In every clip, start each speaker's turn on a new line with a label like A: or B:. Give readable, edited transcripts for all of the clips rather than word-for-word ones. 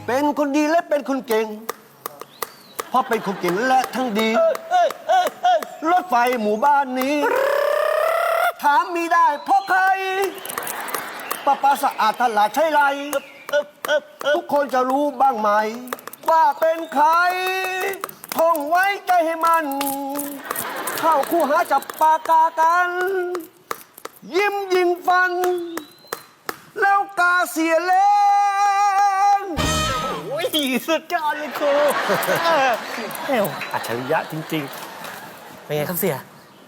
A: เป็นคนดีและเป็นคนเก่งเพราะเป็นคนเก่งและทั้งดีรถไฟหมู่บ้านนี้ถามมีได้เพราะใครประปาสะอาดตลาดใช่ไรทุกคนจะรู้บ้างไหมว่าเป็นใครท่องไว้ใจให้มันเข้าคู่หาจับปากกากันยิ้มยิงฟันแล้วกาเสียเล่น
B: โอ้ยสุดยอดเลยครูเอ้วอัจฉริยะจริงๆเป็นไงครับเสีย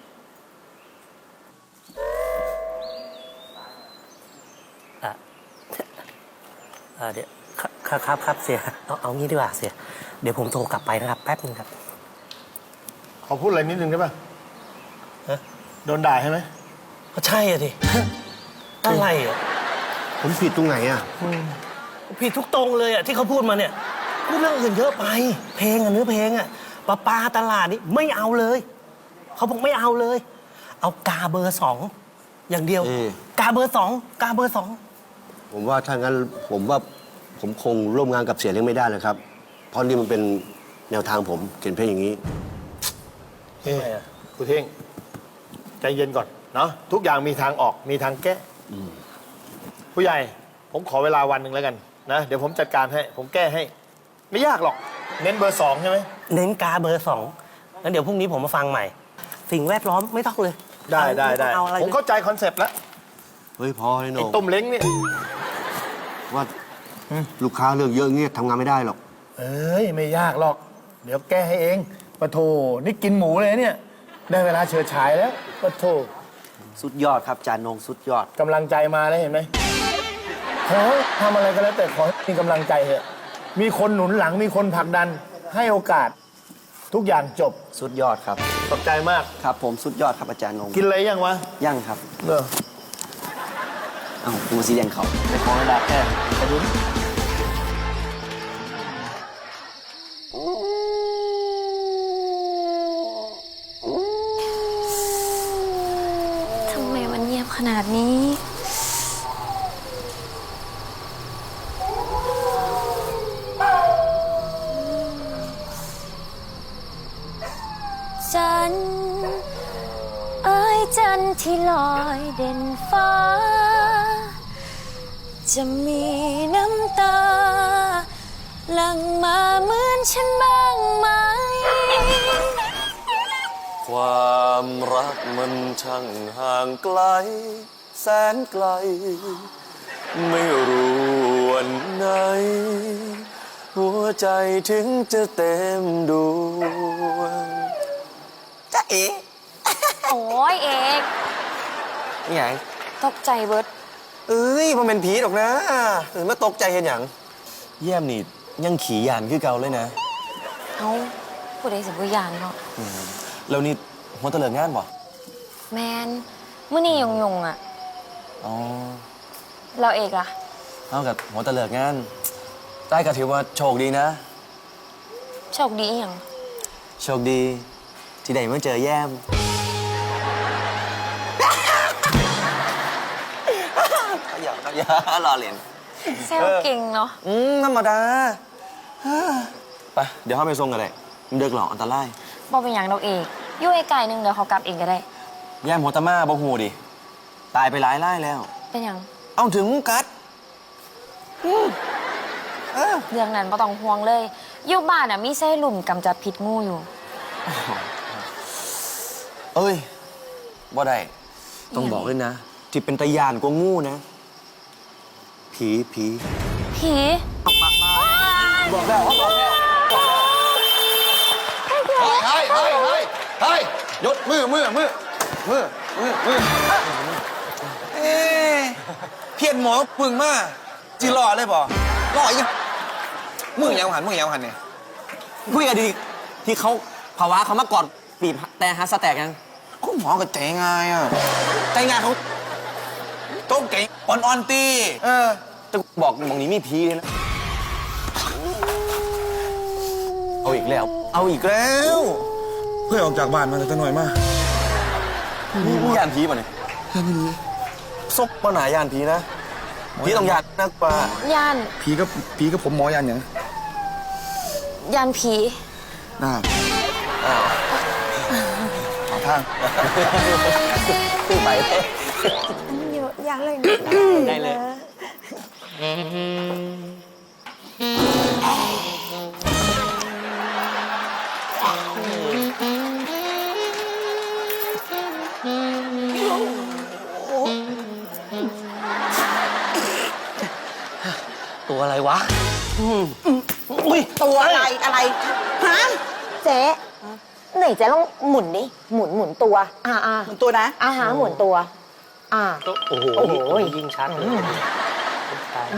B: เดี๋ยวครับเสียเอางี้ดีกว่าเสียเดี๋ยวผมโทรกลับไปนะครับแป๊บนึงครับ
C: ขอพูดอะไรนิดนึงได้ป่ะโดนด่าใช่ไหม
B: ก็ใช่อะดิอะไรอ่ะ
A: ผมผิดตรงไหนอ่ะ
B: ผิดทุกตรงเลยอ่ะที่เขาพูดมาเนี่ยพูดเรื่องอื่นเยอะไปเพลงอะเนื้อเพลงอะปลาตลาดนี่ไม่เอาเลยเขาบอกไม่เอาเลยเอากาเบอร์2อย่างเดียวกาเบอร์2กาเบอร์2
A: ผมว่าถ้างั้นผมคงร่วมงานกับเสียเลี้ยงไม่ได้เลยครับเพราะนี่มันเป็นแนวทางผมเขียนเพลงอย่างนี้
C: ครูเท่งใจเย็นก่อนเนาะทุกอย่างมีทางออกมีทางแก้ผู้ใหญ่ผมขอเวลาวันหนึ่งแล้วกันนะเดี๋ยวผมจัดการให้ผมแก้ให้ไม่ยากหรอกเน้นเบอร์2ใช่ไหม
B: เน้นกาเบอร์2งั้นเดี๋ยวพรุ่งนี้ผมมาฟังใหม่สิ่งแวดล้อมไม่ต้องเลย
C: ได้ผมเข้าใจคอนเซปต์แล้ว
A: เฮ้ยพอเลยโหน่ง
C: ต้มเล้งเนี่ย
A: ว่าลูกค้าเลือกเยอะเงี้ยทำงานไม่ได้หรอก
C: เอ้ยไม่ยากหรอกเดี๋ยวแก้ให้เองปะโถนี่กินหมูเลยเนี่ยได้เวลาเฉิดฉายแล้วปะโถ
A: สุดยอดครับจานงสุดยอด
C: กำลังใจมาแล้วเห็นไหมขอทำอะไรก็แล้วแต่ขอมีกำลังใจเถอะมีคนหนุนหลังมีคนผลักดันให้โอกาสทุกอย่างจบ
A: สุดยอดครับ
C: ขอบใจมาก
A: ครับผมสุดยอดครับอาจารย์งง
C: กินอะไรยังวะ
A: ยังครับดูสีแดงเขา
C: ไปขอให้ดาแค่ไปดู
D: ทำไมมันเงียบขนาดนี้จันเอ้ยจันที่ลอยเด่นฟ้าจะมีน้ำตาหลั่งมาเหมือนฉันบ้างไหม
E: ความรักมันช่างห่างไกลแสนไกลไม่รู้วันไหนหัวใจถึงจะเต็มดวง
F: จ๊ะเอ๋
D: โอ้ยเอก
F: นี่ไง
D: ตกใจเบิร์ด
F: เอ้ยมันเป็นผีหรอกนะหรือมาตกใจเห็นอย่างแย่มนี่ยังขี่ยานคือเก่าเลยนะ
D: เอาผู้ใดสิบวิญญาณเนาะ
F: แล้วนี่หัวตะเลิงงานบ่
D: แมนเมื่อนี่ยงอ่ะ
F: อ๋อ
D: เราเอกล่ะ
F: เอากับหัวตะเลิงงานได้ก็ถือว่าโชคดีนะ
D: โชคดีอย่าง
F: โชคดีที่ได้มาเจอแย่มอย่ารอเล่น
D: เซลเก่งเนาะ
F: ธรรมดาไปเดี๋ยวเข้าไปส่งกันเลยมันเดือดหรออันตราย
D: บอกเป็นอย่างเราเอกยุ่ยไก่หนึ่งเดี๋ยวเขากลับเองก็ได้
F: แย่มหัวตะมาบอกหูดิตายไปหลายไล่แล้ว
D: เป็นอย่าง
F: เอาถึงกัด
D: เรื่องนั้นไม่ต้องห่วงเลยอยู่บ้านอ่ะมีเส้หลุมกำจัดพิษงูอยู่
F: เอ้ยบ่ได้ต้องบอกเลยนะที่เป็นตะยานกว่างูนะผี
C: บอกแล้วเขาบอกแล้วเฮ้ยยศมือเ
F: พี้ยนหมอปึงมาจีรอเลยบ่รอยังมึงยังหันเนี่ยคุยกันดีที่เขาภาวะเขามาก่อนปีบแต่ฮัสแตกยังคุณหมอกับใจง่ายอ่ะใจง่ายเขาโต๊ะเก่งอ่อนตีจะบอกมองนี้มีพีเลยนะเอาอีกแล้วเพื่อออกจากบ้านมาแต่หน่อยมากนี่ยานผีป่ะเนี่ยยานผีซกปัญหายานผีนะ
E: พี่ต้องยานนักป่า
D: ย่าน
F: ผีกับผมหมอยันอย่าง
D: ย่านผี
F: น่าหาทาง
E: สู้ไป
D: เยอะย่านเลย
B: ได้เลย ตัวอะไรวะอุ้ย
G: ตัวอะไรอะไรฮะ
H: เจ๊ไหนเจ๊ลองหมุนดิหมุนตัวอ่า
G: มันตัวนะ
H: อาหารหมุนตัว
B: โอ้โห
H: โอ้โห
B: ยิ่งชัดเลยตาย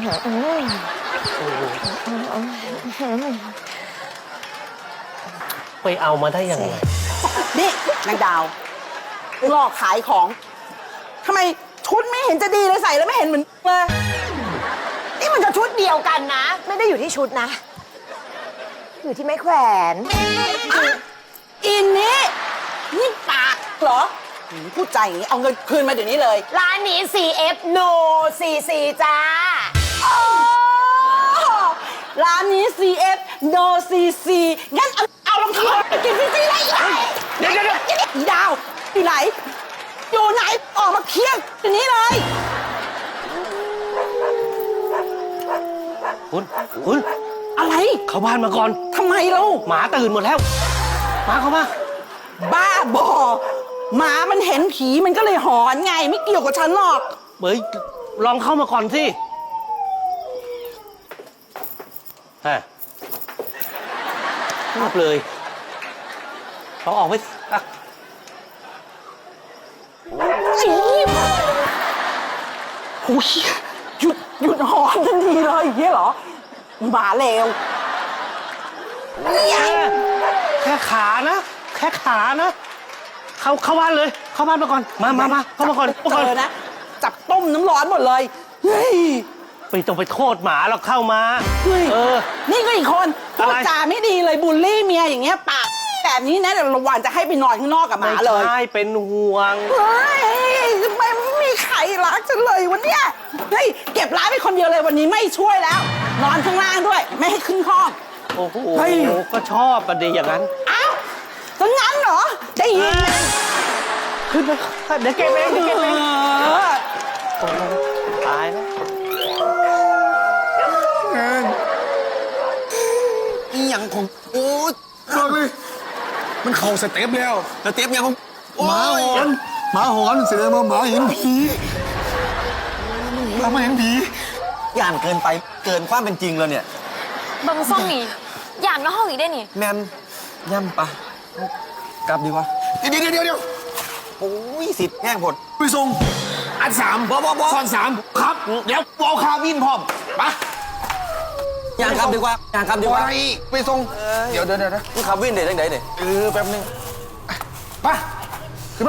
B: ไปเอามาได้ยังไง
G: นี่นางดาวหลอกขายของทำไมชุดไม่เห็นจะดีเลยใส่แล้วไม่เห็นเหมือนเลย
H: นี่มันจะชุดเดียวกันนะ ไม่ได้อยู่ที่ชุดนะ อยู่ที่ไม้แขวน
G: อินนี่นี่ปากเหรอพูดใจอย่างนี้เอาเงินคืนมาเดี๋ยวนี้เลย
H: ร้านนี้ CF No CC จ้า
G: ร้านนี้ CF No CC งั้นเอารองเท้าไปกินฟรีๆเลยเดี๋ยวอีดาวอยู่ไหนอยู่ไหนออกมาเคลียร์เดี๋ยวนี้เลย
B: คุณ
G: อะไร
B: เข้าบ้านมาก่อน
G: ทำไมเรา
B: หมาตื่นหมดแล้ว มาเข้ามา
G: บ้าบอหมามันเห็นผีมันก็เลยหอนไงไม่เกี่ยวกับฉันหรอก
B: เฮ้ย ลองเข้ามาก่อนสิฮะรีบเลยลองออกไปสิอ่ะ
G: โอ้ยหยุดหอนทันทีเลยอย่างนี้เหรอหมาเลว
B: แค่ขานะ แค่ขานะ เข้าบ้านเลย เข้าบ้านมาก่อน มาเข้ามาก่อน
G: เจอนะจับต้มน้ำร้อนหมดเลยเฮ้ย
B: ไปต้องไปโทษหมาเราเข้ามา
G: เฮ้ย
B: เออ
G: นี่ก็อีกคนพู
B: อะไร
G: ดจาไม่ดีเลยบูลลี่เมียอย่างเงี้ยปากแบบนี้นะเดี๋ยวระหว่างจะให้ไปนอนข้างนอกกับหมาเลย
B: ไม่ใช่เป็นห่วง
G: เฮ้ยทำไมไม่มีใครรักฉันเลยวันเนี้ยเฮ้ยเก็บร้านไปคนเดียวเลยวันนี้ไม่ช่วยแล้ว นอนข้างล่างด้วย ไม่ให้ขึ้นห้อง
B: โอ้โห
G: เฮ้ย
B: ก็ชอบประเดี๋ยวอย่างนั้น
G: อ้าวจะงั้นเหรอได้ยินไหม
B: ขึ้นไปเดี๋ยวเก็บเองเดี๋ยวเก็บเอง
G: เออ
B: โอ้โหตายแล้ว
F: อีหยังของโอ้ยมันเข้าสเต็ปแล้ว
E: สเต็ปยังของ
F: หมาหอนเสร็จแล้วมาหมาเห็นผีมาเห็นผี
E: ย่านเกินไปเกินความเป็นจริงแล้วเนี่ย
D: บางซ่องนี่ย่านมาห้องอีกได้นี่
E: แมนย่ำปะกลับดีกว่า
F: เดี๋ยว
E: โอ้ยสิทธิ์แง่งผด
F: ไปส่งอันสามซ้อนสามครับ เดี๋ยววอลคาวินพร้อมปะ
E: ย่างกลับดีกว่าย่างกลับดีกว่า
F: อะไรไปส่งเดี๋ยว
E: มึงขับวิ่งเด็ดจังไดเนี่ย
F: แป๊บนึงไปขึ้นมา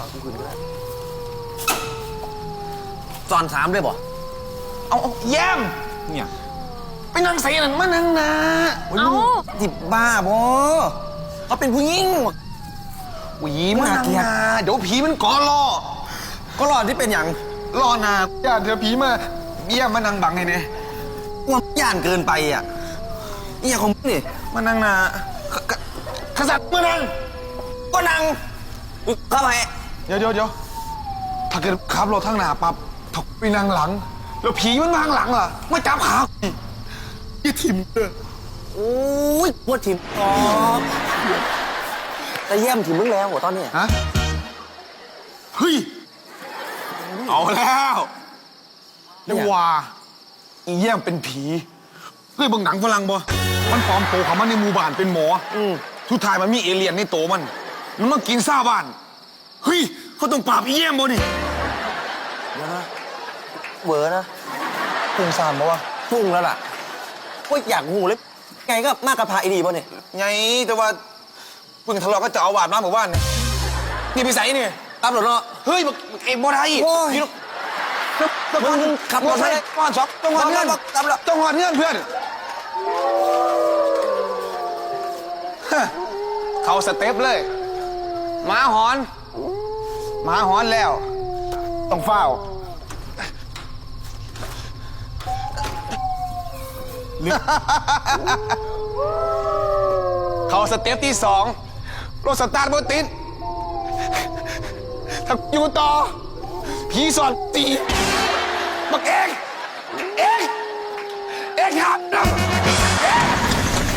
E: จอน3เลยบ่
F: เอาแย้มเนี่ยไปนั่งใส่นั่นมานั่งนะ
D: เอ้า
E: จิบบ้าบ่เขาเป็นผู้หญิง
F: หวีมานั่งนะเดี๋ยวผีมันก่อรอ
E: ก็รอดที่เป็นอย่าง
F: รอนาญาติเดี๋ยวผีมาเยี่ยมมานั่งบังไงเนี่ย
E: ว่าย่านเกินไปอ่ะนี่อย่างของมึงนี่
F: มานั่งนะขสัตมานั่ง
E: ก็นั่งเข้าไป
F: เดี๋ยวถ้าเกิดขับรถทางหน้าปั๊บถกไปนั่งหลัง แล้วผีมันมาข้างหลังล่ะมาจับขายี่ทิมเด้อ
E: โอ้ยปวดถิ่มออกแต่เยี่ยมถิ่มมึงแล้วหัวตอนเนี้ย
F: ฮะเฮ้ยเอาแล้วเรียกว่าอีเยี่ยมเป็นผีเฮ้ยเบางหนังฝรั่งบ่มันปลอมตัวเขามาในหมู่บ้านเป็นหมอสุดท้ายมันมีเอเลี่ยนในโตวมันมากินซ่าบ้านเฮ้ยเขาต้องปราบอีเยี่ยมบ่นี่
E: เวอร์นะ
F: พุ่งซามบ่วะ
E: ฟุ้งแล้วล่ะก็อยากหูเลยไงก็มากกระพาไอ้ดีป่ะเนี่ย
F: ไงแต่ว่าเพิ่งทะเลาะก็จะเอาวาดมาหมู่บ้านเนี่ยนี่ไปใส่นี่
E: ตามหลดเนาะ
F: เฮ้ยเอ็มบ่ได้
E: โอ้ย
F: พี่ลูก
E: มึงขับรถ
F: ไป
E: ไป
F: ก้อนช็อปต้องหอดเงื่อน
E: ตามหลด
F: ต้องหอดเงื่อนเพื่อนฮะเขาสเต็ปเลยหมาหอนหมาหอนแล้ว ต้องเฝ้าเขาสเต็ปที่สองรถสตาร์ทบนติดถ้าอยู่ต่อผีสอนตีบักแอ